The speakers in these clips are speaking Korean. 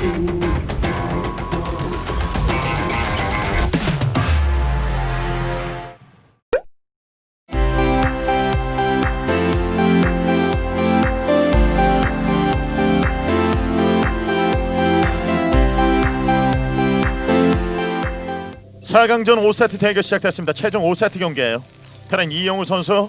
4강전 5세트 대결 시작됐습니다. 최종 5세트 경기예요. 테란 이영호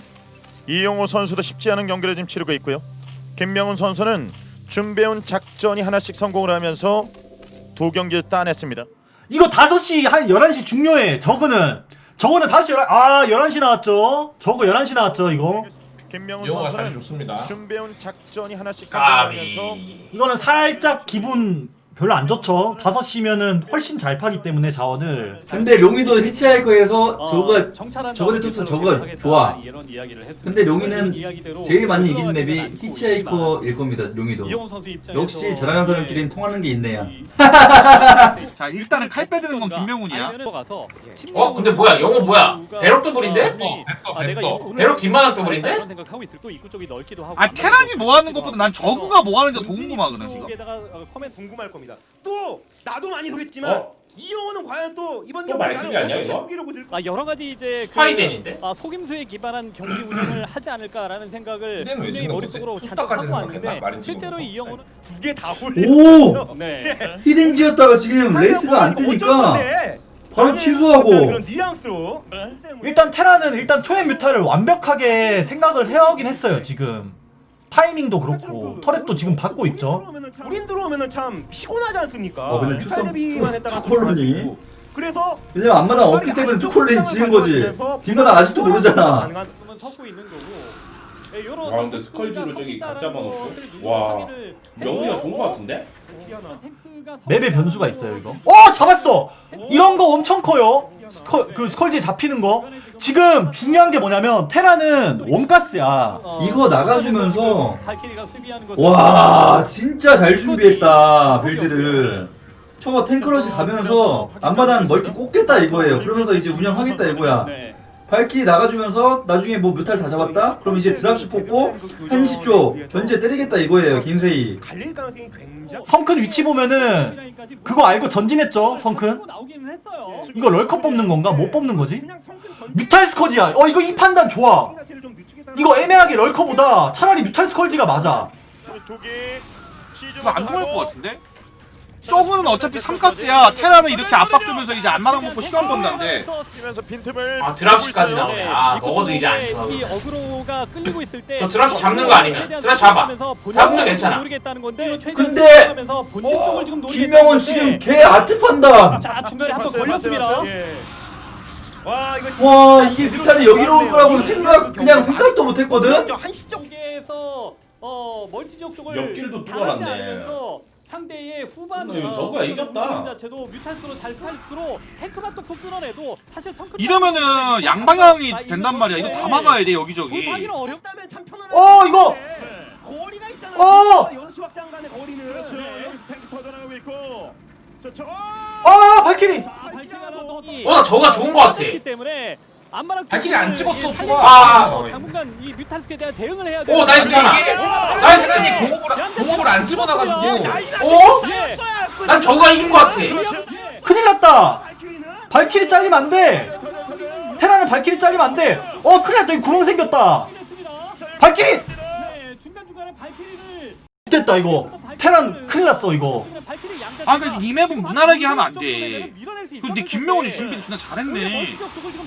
선수도 쉽지 않은 경기를 지금 치르고 있고요. 김명훈 선수는 준비해온 작전이 하나씩 성공을 하면서 두 경기를 따냈습니다. 이거 5시 한 11시 중요해. 저거는 5시 11시 나왔죠. 저거 11시 나왔죠 이거. 김명훈 영호가 자리 선수는 좋습니다. 준비해온 작전이 하나씩 성공하면서 이거는 살짝 기분 별로 안 좋죠. 5시면은 훨씬 잘 파기 때문에 자원을. 근데 룡이도 히치하이커에서 저거 투수 저거 좋아. 근데 룡이는 제일 많이 이기는 맵이 히치하이커일 겁니다. 룡이도 역시 잘하는 사람끼리는 통하는 게 있네요. 자 일단은 칼 빼드는 건 김명훈이야. 근데 뭐야 영호 뭐야 배럭 더블인데? 배럭 뒷마당 더블인데? 아 테란이 뭐 하는 것보다 난 저그가 뭐 하는지 더 궁금하거든 지금. 커맨 궁금할 겁니다. 또 나도 많이 보겠지만 이영호는 과연 또 이번 또 말뚝이 아니야, 이거? 여러 가지 이제 스파이덴인데? 속임수에 기반한 경기 운영을 하지 않을까라는 생각을 왜 분명히 짓는 머릿속으로 거지? 잔뜩 투스타까지 하고 생각했나? 왔는데 마린 실제로 친구가. 이영호는 두 개 다 홀린. 오! 네. 히든지였다가 지금 레이스가 안 뜨니까 바로 취소하고. 그런 뉘앙스로. 일단 테라는 일단 초연 뮤타를 완벽하게 생각을 해오긴 했어요 지금. 타이밍도 그렇고 터렛도 지금 받고 있죠. 우린 들어오면은 참 피곤하지 않습니까? 근데 칼데비만 했다가 투콜론이 그래서 왜냐면 앞마당 없기 때문에 투콜린이 지은 거지. 뒷마당 아직도 모르잖아. 섞고 있는 거고. 와 근데 스컬지로 저기 각 잡아놓고 와 명훈이가 좋은 거 같은데? 맵에 변수가 있어요 이거. 잡았어. 이런 거 엄청 커요. 스컬지에 잡히는 거. 지금 중요한 게 뭐냐면 테라는 원가스야. 이거 나가주면서 와 진짜 잘 준비했다 빌드를. 저거 탱크러시 가면서 앞마당 멀티 꽂겠다 이거예요. 그러면서 이제 운영하겠다 이거야. 발키리 나가주면서 나중에 뭐 뮤탈 다 잡았다? 그럼 이제 드랍시 뽑고 한시 쪽 견제 때리겠다 이거예요 긴세이. 성큰 위치 보면은 그거 알고 전진했죠 성큰. 이거 럴컷 뽑는 건가? 못 뽑는 거지? 뮤탈 스컬지야. 이거 이 판단 좋아. 이거 애매하게 럴커보다 차라리 뮤탈 스컬지가 맞아. 이거 안 통할 것 같은데? 저그는 어차피 3카스야. 테라는 이렇게 압박 주면서 이제 앞마당 먹고 시간 번다는데. 드랍시까지 나오네. 먹어도 이제 안 좋아. 이 어그로가 끌리고 있을 때 저 드랍시 잡는 거 아니면 드랍시 잡아. 잡으면 괜찮아. 모르겠다는 건데 근데 본진 쪽을 지금 김명훈 지금 개 아트 판단. 자 중간에 한번 걸렸습니다. 와 이게 뮤탈이 여기로 올 거라고 그냥 생각도 못했거든. 한시 쪽에서 멀티 지역 쪽을 옆길도 당하지 뚫어놨네. 않으면서 상대의 후반 이거 저거야, 이겼다. 자체도 뮤탈스로 잘 탈스로 테크만 또 끊어내도 사실 성큰 이러면은 양방향이 된단 말이야. 이거 다 막아야 돼 여기저기. 하기는 어렵다면 참 편안한 이거 거리가 있잖아. 6시 확장 간의 거리는 그렇죠. 여기서 탱크 퍼져나가고 있고. 발키리. 나 저거가 좋은 거 같아. 때문에 안마랑 발키리 안 찍었어, 당분간 이 뮤탈스에 대한 대응을 해야 돼. 오 나이스 하나. 나이스. 공업을 안 집어놔가지고. 난 저거가 이긴 거 같아. 큰일 났다. 발키리 잘리면 안 돼. 테라는 발키리 잘리면 안 돼. 큰일 났다. 이 구멍 생겼다. 발키리. 중간중간에 발키리를 됐다 이거. 테란 큰일 났어 이거. 근데 이 맵은 무난하게 하면 안 돼. 근데 김명훈이 준비를 존나 잘했네.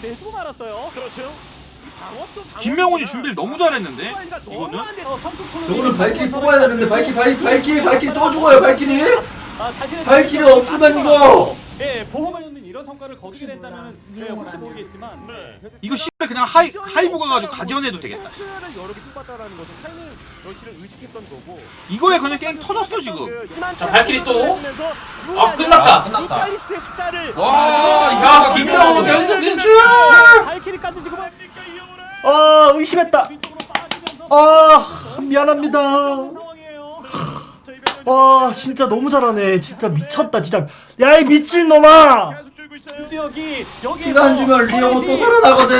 김명훈이 준비를 너무 잘했는데 이거는. 이거는 발키리 뽑아야 되는데 발키리 또 죽어요 발키리. 발키리 없으면 이거. 보험을 넣는 이런 성과를 거두게 된다면 혹시 모르겠지만 이거 씨발 그냥 하이브 가가지고 가디언해도 되겠다. 여러 개 뽑았다라는 것은 타이밍 러시를 의식했던 거고. 이거에 그냥 게임 터졌어 지금. 자 발키리 또. 끝났다. 와, 김명훈 결승 진출. 발키리까지 지금 의심했다. 미안합니다. 진짜 너무 잘하네. 진짜 미쳤다 진짜. 야 이 미친놈아. 시간 주면 리오고 또 살아나거든.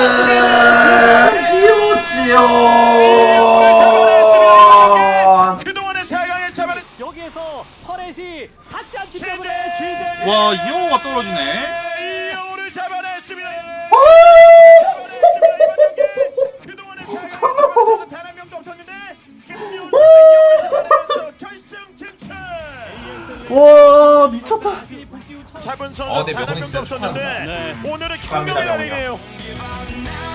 지오. 그동안의 4강의 차반은 여기에서 펄의 타겟이 닿지 않기 최재! 때문에 GJ 와 이영호가 떨어지네. 이영호를 잡아냈습니다. 그동안의 단한 명도 없었는데 김명훈 선수 결승 진출. 와 미쳤다. 잡은 선수 네, 단한 명훈이 명도 진짜 없었는데 축하합니다. 오늘은 축하합니다, 김명훈이 명훈이요. 아니네요.